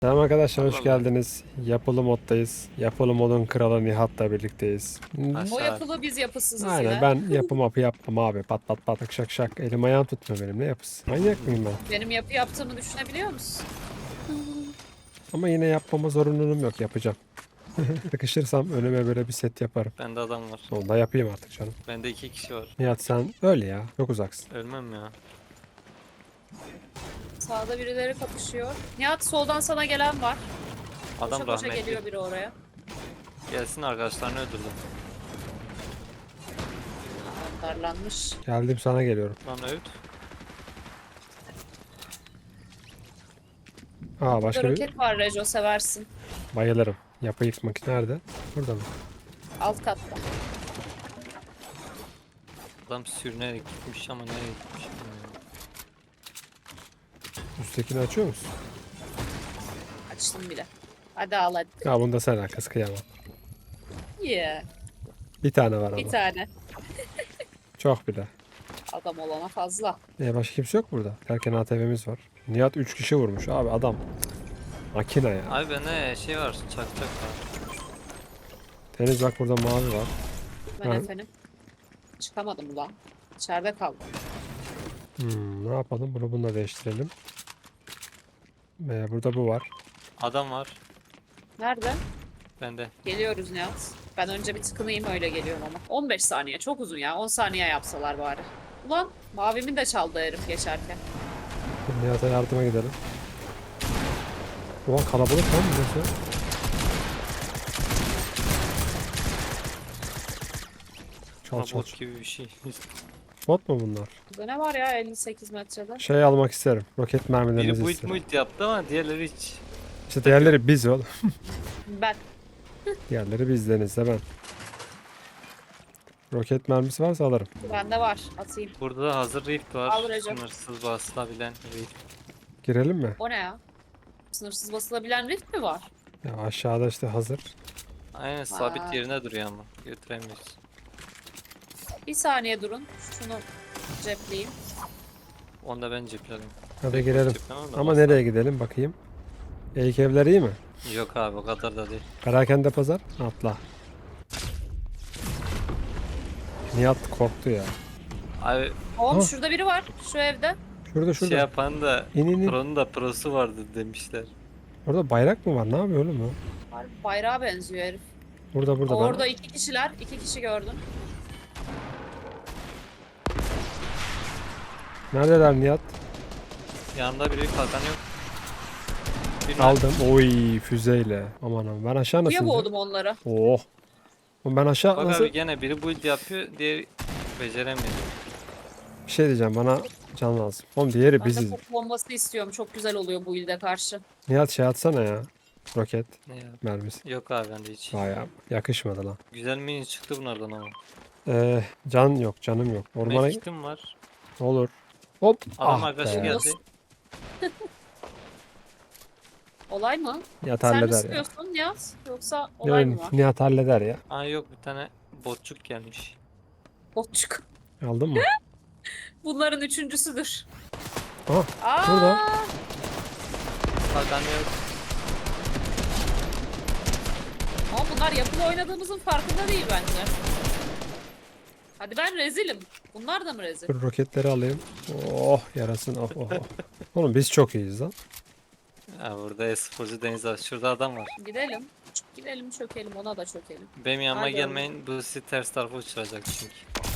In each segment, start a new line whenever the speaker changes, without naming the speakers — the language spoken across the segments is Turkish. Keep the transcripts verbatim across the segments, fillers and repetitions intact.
Selam arkadaşlar, hoş
Vallahi.
geldiniz. Yapılı moddayız. Yapılı modun kralı Nihat'la birlikteyiz. Hmm,
O
Aşağı.
yapılı biz yapısızız
Aynen,
yine.
ben yapı mapı yapmam abi. Pat pat pat şak şak şak. Elim ayağım tutmuyor benim, ne yapısı. Manyak mıyım ben?
Benim yapı yaptığımı düşünebiliyor musun?
Ama yine yapmama zorunluluğum yok, yapacağım. Sıkışırsam önüme böyle bir set yaparım.
Bende adam var.
Onu da yapayım artık canım.
Bende iki kişi var.
Nihat sen öyle ya, çok uzaksın.
Ölmem ya.
Sağda birileri kapışıyor. Nihat soldan sana gelen var.
Adam
Koşa koşa
rahmetli.
geliyor biri oraya.
Gelsin arkadaşlarını öldürdüm.
Darlanmış.
Geldim, sana geliyorum.
Lan öldü.
Aa,
Burada
başka bir
roket var Rejo, seversin.
bayılırım. Yapı yıkmak nerede? Burada mı?
Alt katta.
Adam sürünerek gitmiş ama nereye gitmiş bilmiyorum.
Üsttekini açıyor musun?
Açtım bile. Hadi al hadi.
Ya bunda sen arkası, kıyamam.
Yeah.
Bir tane var
Bir
ama.
tane.
Çok bile.
Adam olana fazla.
E başka kimse yok burada. Derken A T V'miz var. Nihat üç kişi vurmuş abi, adam. Makine ya.
Abi bende şey var, çakçak var.
Deniz bak, burada mavi var.
Ben
Ha.
efendim. Çıkamadım ulan. İçeride kaldım.
Hmm, ne yapalım? Bunu bununla değiştirelim. Ee, burada bu var.
Adam var.
Nerede?
Bende.
Geliyoruz Nihat. Ben önce bir tıkınayım, öyle geliyorum ama. on beş saniye çok uzun ya. on saniye yapsalar bari. Ulan mavimi de çaldı herif geçerken.
Dur, Nihat'a yardıma gidelim. Ulan kalabalık lan burası. Çal çal.
Robot gibi bir şey.
Bot mu bunlar?
Burada ne var ya elli sekiz metrede?
Şey almak isterim. Roket mermilerinizi
Biri build
isterim.
build yaptı ama diğerleri hiç.
İşte diğerleri biz oğlum.
Ben.
Diğerleri biz, Deniz'le ben. Roket mermisi varsa alırım.
Bende var. Atayım.
Burada da hazır rift var.
Al Recep.
Sınırsız basılabilen rift.
Girelim mi?
O ne ya? Sınırsız basılabilen rift mi var?
Ya aşağıda işte hazır.
Aynen sabit
Aa.
yerine duruyor ama. Götüremiyoruz.
Bir saniye durun. Şunu cepleyeyim.
Onu da ben cepledim.
Hadi girelim.
Ceplemem de
Ama
basar.
nereye gidelim bakayım. İlk evler iyi mi?
Yok abi o kadar da değil.
Perakende pazar. Atla. Nihat korktu ya.
Abi
Oğlum
Ha.
şurada biri var. Şu evde.
Şurada
şey
şurada.
yapan da
İn in in.
Pro'nun da prosu vardı demişler.
Orada bayrak mı var? Ne yapıyor oğlum o?
Harbi bayrağa benziyor herif.
Burada burada. ben-
Orada iki kişiler. iki kişi gördüm.
Neredeler Nihat?
Yanında biri kalkan yok. Bir
Aldım. Oy, füzeyle. Aman aman. Ben aşağı nasıl
Suya
ineceğim?
boğdum onları.
Oh. Oğlum ben aşağı
Bak
nasıl?
abi gene biri build yapıyor, diğeri beceremiyor.
Bir şey diyeceğim, bana can lazım. Oğlum diğeri
Ben de
biziz.
top bombası istiyorum. Çok güzel oluyor bu ilde karşı.
Nihat şey atsana ya. Roket
Ne ya?
mermisi.
Yok abi bende hiç.
Vay ya, yakışmadı lan.
Güzel mini çıktı bunlardan ama.
Ee, can yok, canım yok. Ormana
Mekiktim var.
olur. Hop.
Adam
Ah
arkadaşı
be.
geldi.
Olay mı?
Nihat
Sen mi
halleder ya.
sıkıyorsun Nihat? Yoksa olay mı var?
Nihat halleder ya.
Aa yok bir tane botçuk gelmiş.
Botçuk.
Aldın mı?
Bunların üçüncüsüdür.
Aha.
Aa!
Burada.
Kalkan yok.
Ama bunlar yapılı oynadığımızın farkında değil bence. Hadi ben rezilim. Bunlar da mı rezil?
Dur roketleri alayım. Oh yarasın. Oh, oh, oh. Oğlum biz çok iyiyiz lan.
Ha burada e-sporcu Deniz var. Şurada adam var.
Gidelim. Gidelim çökelim, ona da çökelim.
Benim yanıma
Hadi
gelmeyin. Bu sizi ters tarafa uçuracak çünkü.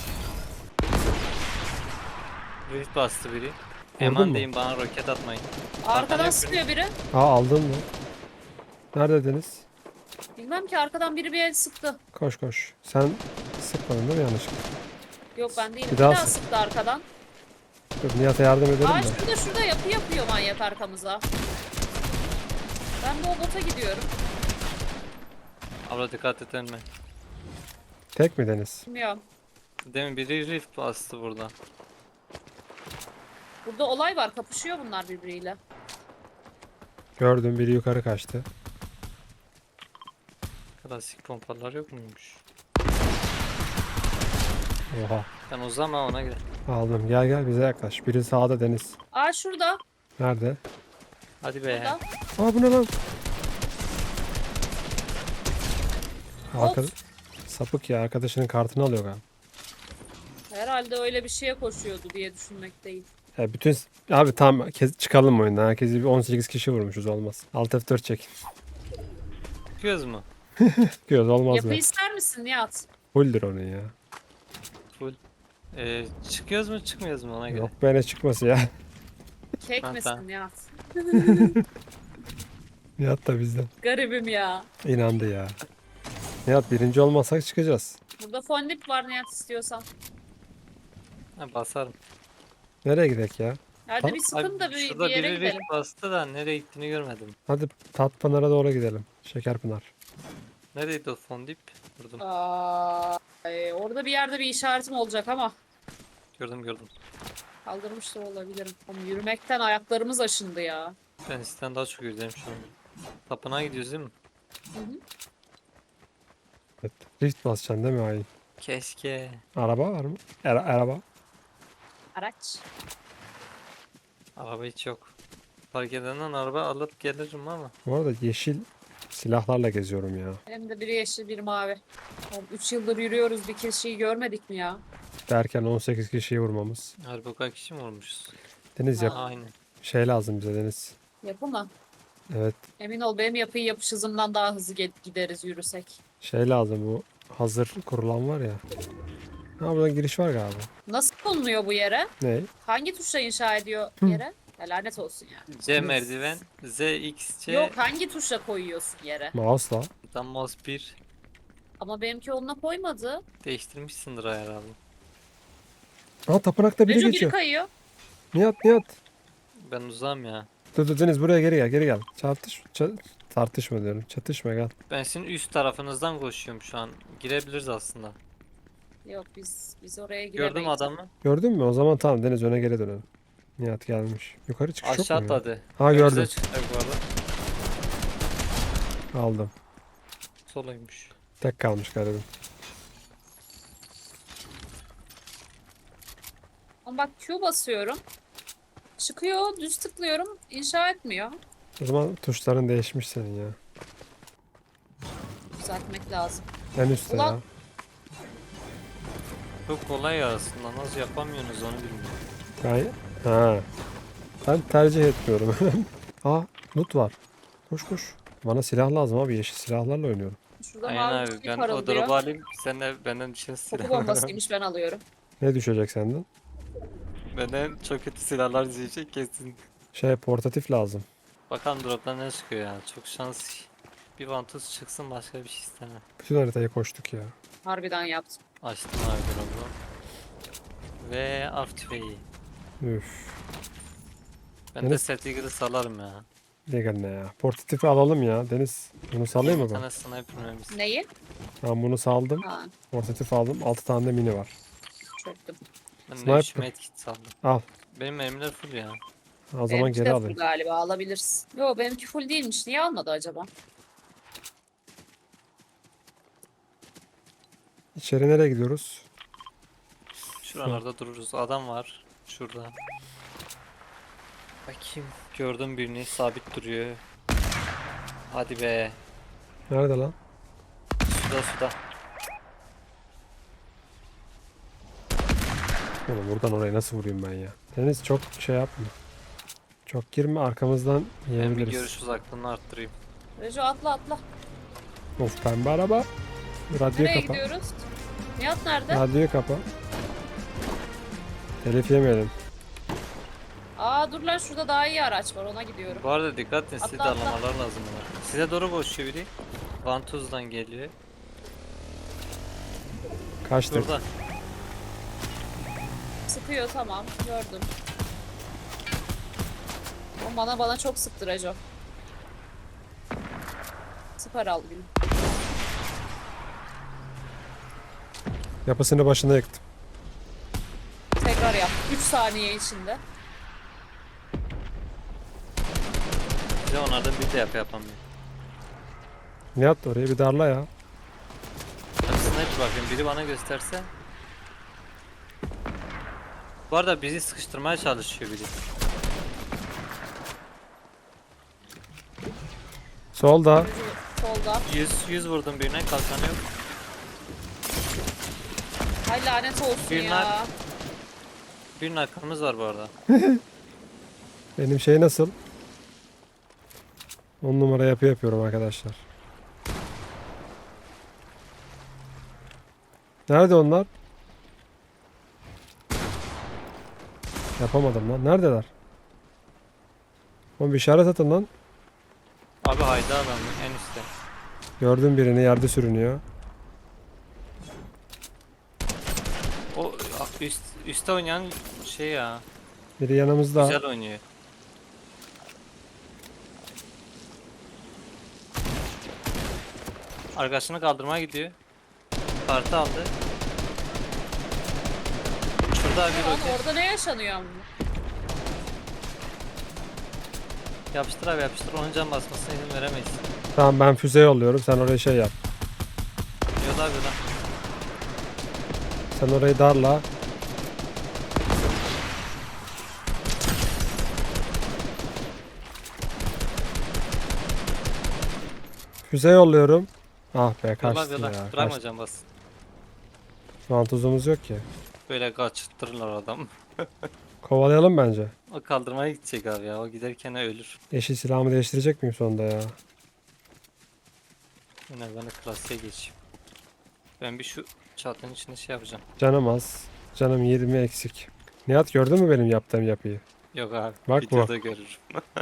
Rift bastı biri.
mu?
Eman deyin bana roket atmayın.
Arkadan
yok
sıkıyor biri.
Aa, aldın mı? Neredediniz?
Bilmem ki, arkadan biri bir el sıktı.
Koş koş. Sen sıkmadın değil mi yanlışlıkla?
Yok ben değilim.
Bir
Bir
daha
daha,
sık.
sıktı arkadan.
Dur Nihat'a yardım edelim
Aa
mi?
şurada şurada yapı yapıyor manyak arkamıza. Ben de o bota gidiyorum.
Abla dikkat et önüme.
Tek mi Deniz?
Bilmiyorum.
Demin biri rift bastı burada.
Burada olay var. Kapışıyor bunlar birbiriyle.
Gördüm, biri yukarı kaçtı.
Klasik pompalar yok muymuş?
Oha.
Sen uzama ona göre.
Aldım. Gel gel bize yaklaş. Biri sağda Deniz.
Aa şurada.
Nerede?
Hadi be.
Burada.
Aa bu ne lan? Arka...
Of.
Sapık ya, arkadaşının kartını alıyor galiba.
Herhalde öyle bir şeye koşuyordu diye düşünmekteyim.
Ya bütün abi tamam kes- çıkalım oyundan. Herkesi bir on sekiz kişi vurmuşuz, olmaz. Alt F dört çek.
Çıkıyoruz mu?
Çıkıyoruz, olmaz
Yapı
mı?
ister misin Nihat?
Fulldir onun ya.
Full. Ee, çıkıyoruz mu çıkmıyoruz mu ona göre?
Yok be, ne çıkması ya.
Kek
Ha,
misin
tamam.
Nihat?
Nihat da bizden.
Garibim ya.
İnandı ya. Nihat birinci olmazsak çıkacağız.
Burada fondip var Nihat istiyorsan.
Ha, basarım.
Nereye gidek ya?
Hadi
Tamam.
bir sıkın da bir,
şurada
bir yere
biri
gidelim.
bir bastı da nereye gittiğini görmedim.
Hadi Tatpınar'a doğru gidelim. Şekerpınar.
Neredeydi o fondip? Vurdum.
Aa, ay, orada bir yerde bir işaretim olacak ama
Gördüm gördüm.
kaldırmış da olabilirim. Ama yürümekten ayaklarımız aşındı ya.
Ben sizden daha çok özledim şu an. Tapınağa gidiyoruz değil mi?
Hı hı.
Evet. Rift basacaksın değil mi Ayin?
Keşke.
Araba var mı? Ara- araba.
Araç.
Araba hiç yok. Fark edenden araba alıp gelirim ama.
Bu arada yeşil silahlarla geziyorum ya.
Hem de biri yeşil biri mavi. üç yıldır yürüyoruz, bir kişiyi görmedik mi ya?
Derken on sekiz kişiyi vurmamız.
Harbi o kadar kişi mi vurmuşuz?
Deniz yap.
Ha.
Aynen.
Şey lazım bize Deniz.
Yapı mı?
Evet.
Emin ol benim yapıyı yapış hızımdan daha hızlı ge- gideriz yürüsek.
Şey lazım, bu hazır kurulan var ya. Ha, buradan giriş var galiba.
Nasıl konuluyor bu yere?
Ne?
Hangi tuşla inşa ediyor
Hı.
yere? Ya lanet olsun ya.
C merdiven, Z, X, C,
Yok hangi tuşla koyuyorsun yere?
Mouse'la.
tam mouse bir.
Ama benimki onunla koymadı.
Değiştirmişsindir herhalde.
Aa, tapınakta biri
Rejo biri
geçiyor.
kayıyor.
Nihat Nihat.
Ben uzağım ya.
Dur dur Deniz, buraya geri gel geri gel. Çarpış, ça- tartışma diyorum. Çatışma, gel.
Ben sizin üst tarafınızdan koşuyorum şu an. Girebiliriz aslında.
Yok biz biz oraya giremeyiz.
Gördüm adamı.
Gördün mü? O zaman tamam Deniz, öne geri dönelim. Nihat gelmiş. Yukarı çıkış
Aşağı
yok mu ya?
atladı.
Ha,
Önümüze
gördüm.
çıkacak bu arada.
Aldım.
Soluymuş.
Tek kalmış garibim.
Ama bak Q basıyorum. Çıkıyor, düz tıklıyorum, inşa etmiyor.
O zaman tuşların değişmiş senin ya.
Düzeltmek lazım.
En üstte
Ulan.
ya.
Çok kolay ya aslında. Nasıl yapamıyorsunuz onu bilmiyorum.
Ben, ha. Ben tercih etmiyorum. Aa, loot var. Koş koş. Bana silah lazım abi. Yeşil silahlarla oynuyorum.
Şurada
Aynen
mavi
abi.
bir şey
Ben o
parıldıyor.
drop'u alayım. Sen de benden düşen
Koku
silah.
bombasıymış ben alıyorum.
Ne düşecek senden?
Benden çok kötü silahlar diyecek kesin.
Şey, portatif lazım.
Bakalım drop'tan ne çıkıyor ya. Çok şans. Bir vantuz çıksın başka bir şey istemem.
Bütün haritayı koştuk ya.
Harbiden yaptım.
Açtım abi drop'u. Ve av tüfeği.
Üf.
Ben de
Deniz-
Settiger'ı salarım ya.
Legal ne ya? Portatifi alalım ya. Deniz, bunu salayım mı
Bir
ben?
tane sniper mermisi.
Neyi?
Tamam, bunu saldım.
Ha,
Portatif aldım. altı tane de mini var.
çöktüm.
Ben de
Sniper.
üç medkit saldım.
Al.
Benim mermiler full ya.
O zaman
Benimki
geri
de full
alayım.
galiba alabilirsin. Yo benimki full değilmiş. Niye almadı acaba?
İçeri nereye gidiyoruz?
Şuralarda dururuz. Adam var. Şurada. Bakayım. Gördüm birini. Sabit duruyor. Hadi be.
Nerede lan?
Suda suda.
Oğlum buradan oraya nasıl vurayım ben ya? Deniz çok şey yapma. Çok girme, arkamızdan
Ben bir
yiyebiliriz.
görüş uzaklığını arttırayım.
Rejo atla atla.
Of, pembe araba. Radyoyu
Nereye
kapa.
gidiyoruz? Nihat nerede?
Radyoyu kapa. Telif yemeyelim.
Aa dur lan şurada daha iyi araç var ona gidiyorum.
Bu arada dikkat edin. Size de
Atla, atla.
anlamalar lazım bunlar. Size doğru koşuyor biri. Vantuz'dan geliyor.
Kaçtık.
Burada.
Sıkıyor tamam gördüm. O bana bana çok sıktı Rejo. Süper al gülüm.
Yapısını başına yıktım.
Tekrar yap. üç saniye içinde.
Size onlardan bir de yap yapamıyor.
Nihat, oraya bir darla ya.
Hadi sniper bakayım. Biri bana gösterse. Bu arada bizi sıkıştırmaya çalışıyor biri.
Solda.
Solda.
yüz yüz vurdum birine, kalkanı yok.
Ay lanet olsun
Bir
ya.
nak. Bir nakımız var bu arada.
Benim şey nasıl? On numara yapı yapıyorum arkadaşlar. Nerede onlar? Yapamadım lan. Neredeler? Oğlum bir işaret atın lan.
Abi hayda adam en üstte.
Gördüm birini yerde sürünüyor.
O üst, üstte oynayan şey ya.
Biri yanımızda.
Güzel oynuyor. Arkadaşını kaldırmaya gidiyor. Kartı aldı. Şurada bir
Lan
roket.
orada ne yaşanıyor ama?
Yapıştır abi yapıştır. Onun can basmasına izin veremeyiz.
Tamam ben füze yolluyorum. Sen oraya şey yap.
Yola abi lan.
Sen orayı darla. Füze yolluyorum. Ah be
Yola
kaçtı
yola.
ya.
Bırakma
Kaçtı.
can bas.
Vantuzumuz yok ki.
Böyle kaçırtırlar adam.
Kovalayalım bence.
O kaldırmaya gidecek abi ya. O giderken ölür.
Yeşil silahımı değiştirecek miyim sonunda ya?
Yine ben de klasiğe geçeyim. Ben bir şu çatının içinde şey yapacağım.
Canım az. Canım yirmi eksik. Nihat gördün mü benim yaptığım yapıyı?
Yok abi.
Bak bu.
videoda görürüm.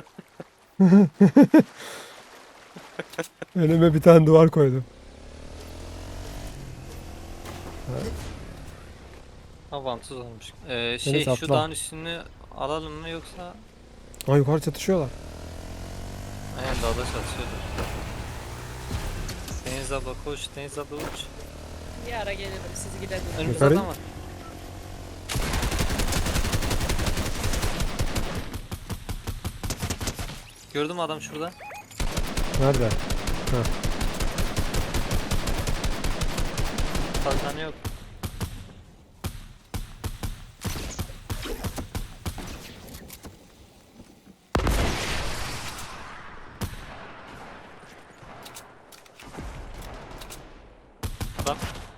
Önüme bir tane duvar koydum.
Ha vantuz olmuş. Ee, şey
atla.
şu dağın üstünü alalım mı yoksa
Aa yukarı çatışıyorlar.
aynen dağda çalışıyordur. Deniz abla koş, Deniz abla uç.
Bir ara gelirim siz gidin.
Önümüzde
Yukarı.
adam var. Gördüm adam şurada.
Nerede?
Kalkanı yok. Adam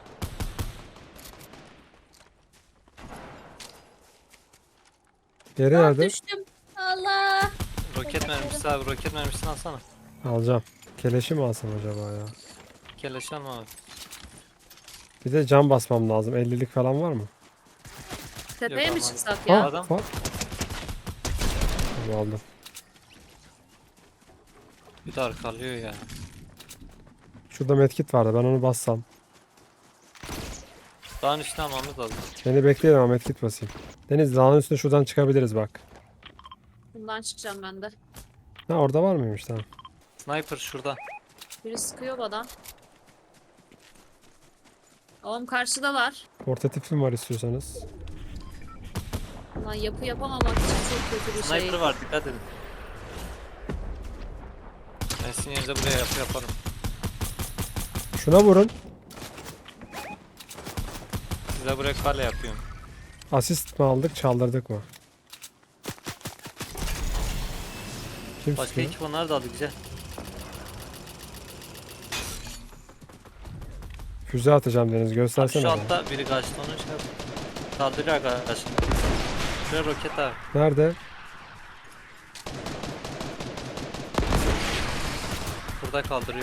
Yeri
Ah,
nerede?
düştüm. Allah.
roket mermisi abi, roket mermisini alsana.
Alacağım. Keleşi mi alsam acaba ya?
Keleş alma abi.
Bir de cam basmam lazım. ellilik falan var mı?
Tepeye
Yok
mi
ama-
çıksak
Ha,
ya?
Adam.
var. Tamam, aldım.
Bir de arkalıyor ya.
Şurada medkit vardı. Ben onu bassam.
Dağın üstüne almamız lazım.
Beni bekleyin ama medkit basayım. Deniz dağın üstüne şuradan çıkabiliriz bak.
Bundan çıkacağım ben de.
Ha orada var mıymış tamam.
Sniper şurada.
Biri sıkıyor bana. Oğlum karşıda var.
Portatifim var istiyorsanız.
Lan yapı yapamamak için çok kötü bir şey.
Sniper var, dikkat edin. Ben sizin yerinize buraya yapı yaparım.
Şuna vurun.
Size buraya kale yapıyorum.
Asist mi aldık çaldırdık mı? Kim
Başka
sıkıyor?
ekip onlar da aldı güzel.
Füze atacağım Deniz
Abi
göstersene.
şu
bana.
altta biri kaçtı onu şey yap. Kaldırıyor arkadaşım. Şuraya roket abi.
Nerede?
Burada kaldırıyor.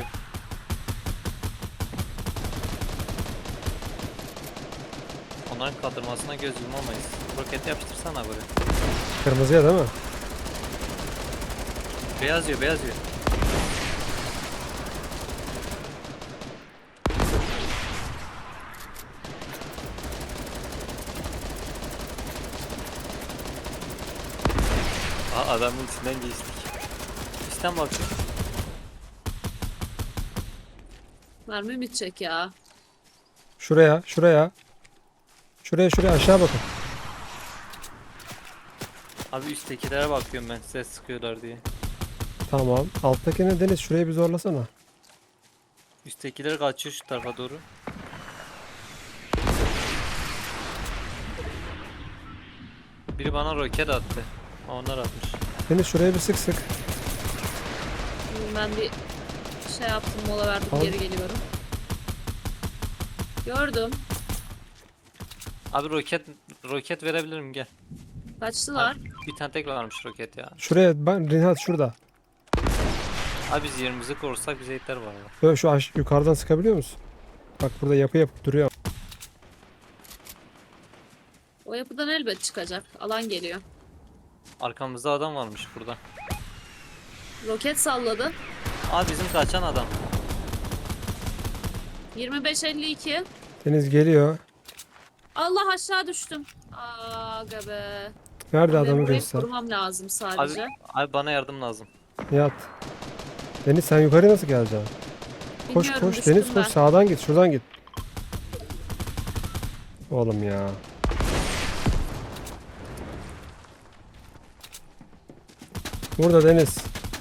Onların kaldırmasına göz yumamayız. Roketi yapıştırsana buraya.
Kırmızıya değil mi?
Beyaz yiyor, beyaz yiyor. Aa, adamın içinden geçtik. Üstten bakıyor.
Mermi bitecek ya.
Şuraya, şuraya. Şuraya, şuraya aşağı bakın.
Abi üsttekilere bakıyorum ben, ses sıkıyorlar diye.
Tamam. Alttakine Deniz şurayı bir zorlasana.
Üsttekiler kaçıyor şu tarafa doğru. Biri bana roket attı. Onlar atmış.
Deniz şuraya bir sık sık.
Ben bir Şey yaptım, mola verdim,
Al.
geri geliyorum. Gördüm.
Abi roket roket verebilirim gel.
Kaçtılar.
Abi, bir tane tek varmış roket ya.
Şuraya ben Rinhat şurada.
Abi biz yerimizi korursak bize yeter var ya.
Böyle şu aş yukarıdan sıkabiliyor musun? Bak burada yapı yapıp duruyor.
O yapıdan elbet çıkacak. Alan geliyor.
Arkamızda adam varmış burada.
Roket salladı.
Abi bizim kaçan adam.
yirmi beş elli iki.
Deniz geliyor.
Allah, aşağı düştüm. Aga be.
Nerede
Benim
adamı
burayı
göster.
korumam lazım
Abi,
sadece.
abi bana yardım lazım.
Nihat. Deniz sen yukarı nasıl geleceksin? Koş
Bilmiyorum,
koş
düştüm
Deniz
ben.
koş sağdan git şuradan git. Oğlum ya. Burada Deniz.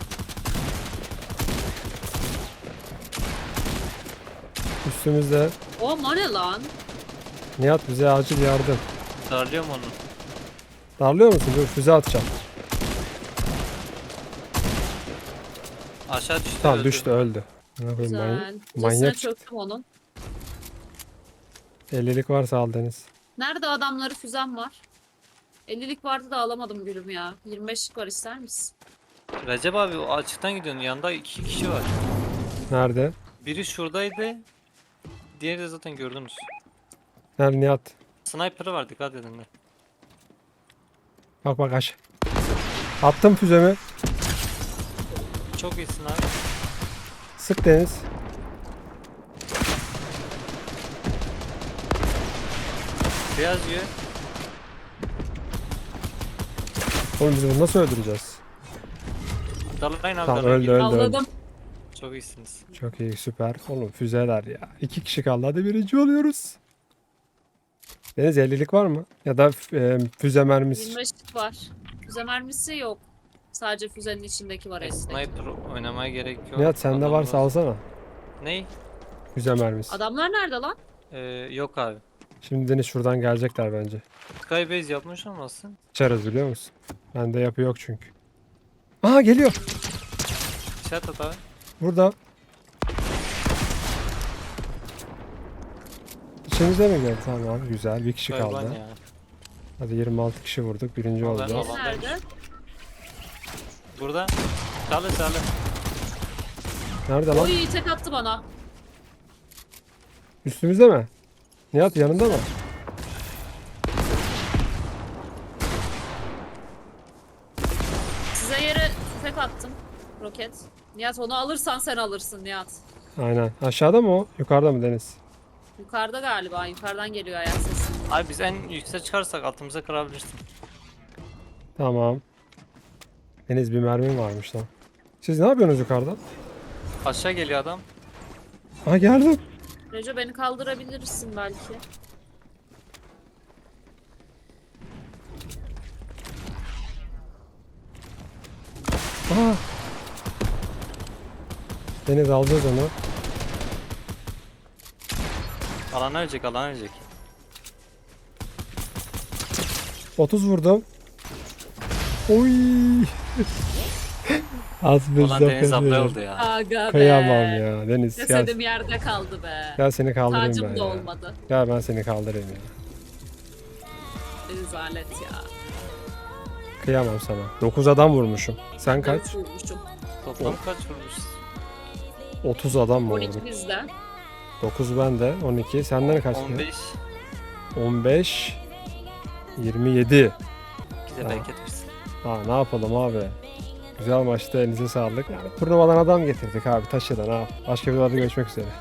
Üstümüzde.
O o ne lan?
Nihat bize acil yardım.
Darlıyorum onu.
Darlıyor musun? Dur füze atacağım.
Aşağı düştü.
Tamam
öldü.
düştü öldü. Ne yapayım,
Güzel.
manyak,
Manyak
manyak çıktı.
çöktüm onun.
ellilik varsa al Deniz.
Nerede adamları, füzem var. ellilik vardı da alamadım gülüm ya. yirmi beşlik var, ister misin?
Recep abi o açıktan gidiyorsun. Yanında iki kişi var.
Nerede?
Biri şuradaydı. Diğeri de zaten gördünüz.
Nerede Nihat?
Sniper'ı var, dikkat edin de.
Bak bak aş. Attım füzemi.
Çok iyisin abi.
Sık Deniz.
Beyaz yiyor.
Oğlum biz bunu nasıl öldüreceğiz?
Darlayın abi,
Tamam
darlayın.
öldü öldü öldü.
Avladım.
Çok iyisiniz.
Çok iyi süper. Oğlum füzeler ya. İki kişi kaldı hadi birinci oluyoruz. Deniz ellilik var mı? Ya da e, füze mermisi.
yirmi beşlik var. Füze mermisi yok. Sadece füzenin içindeki var
E,
elindeki.
sniper oynamaya gerek yok.
Nihat sende
Adam
varsa
var.
alsana.
Ney?
Füze mermisi.
Adamlar nerede lan?
Ee, yok abi.
Şimdi Deniz şuradan gelecekler bence.
Skybase yapmış olmasın?
Çarız biliyor musun? Bende yapı yok çünkü. Aha geliyor.
İşaret at abi.
Burada. İçimizde mi geldi? Tamam güzel. Bir kişi
Gariban
kaldı.
ya.
Hadi yirmi altı kişi vurduk. Birinci
Vallahi
oldu.
Tamam,
Nerede?
Burada. Çalı çalı.
Nerede lan?
Oy, tek attı bana.
Üstümüzde mi? Nihat yanında mı?
Size yere tüfek attım. Roket. Nihat, onu alırsan sen alırsın Nihat.
Aynen. Aşağıda mı o? Yukarıda mı Deniz?
Yukarıda galiba. Yukarıdan geliyor ayak sesi.
Abi biz en yükseğe çıkarsak altımıza kırabilirsin.
Tamam. Deniz bir mermim varmış lan. Siz ne yapıyorsunuz yukarıda?
Aşağı geliyor adam.
Aha geldim.
Reco, beni kaldırabilirsin belki.
Aha. Deniz alacağız onu.
Alan ölecek, alan ölecek.
otuz vurdum. Oy. Az bir
Ulan Deniz abla oldu ya.
Aga be.
Kıyamam ya Deniz gel.
Cesedim yerde kaldı be.
Gel seni kaldırayım ben
Tacım da
ya.
olmadı.
Gel ben seni kaldırayım ya.
Rezalet ya.
Kıyamam sana. dokuz adam vurmuşum. Sen kaç?
Ben vurmuşum.
Toplam kaç vurmuş?
otuz adam mı
on
vurduk?
iki bizde.
dokuz bende, on iki. Senden kaç?
on beş.
on beş. yirmi yedi.
Bize
Ha.
bereket versin.
Ha ne yapalım abi? Güzel maçtı elinize sağlık. Yani turnuvadan adam getirdik abi taşıdan ha. Başka bir videoda görüşmek üzere.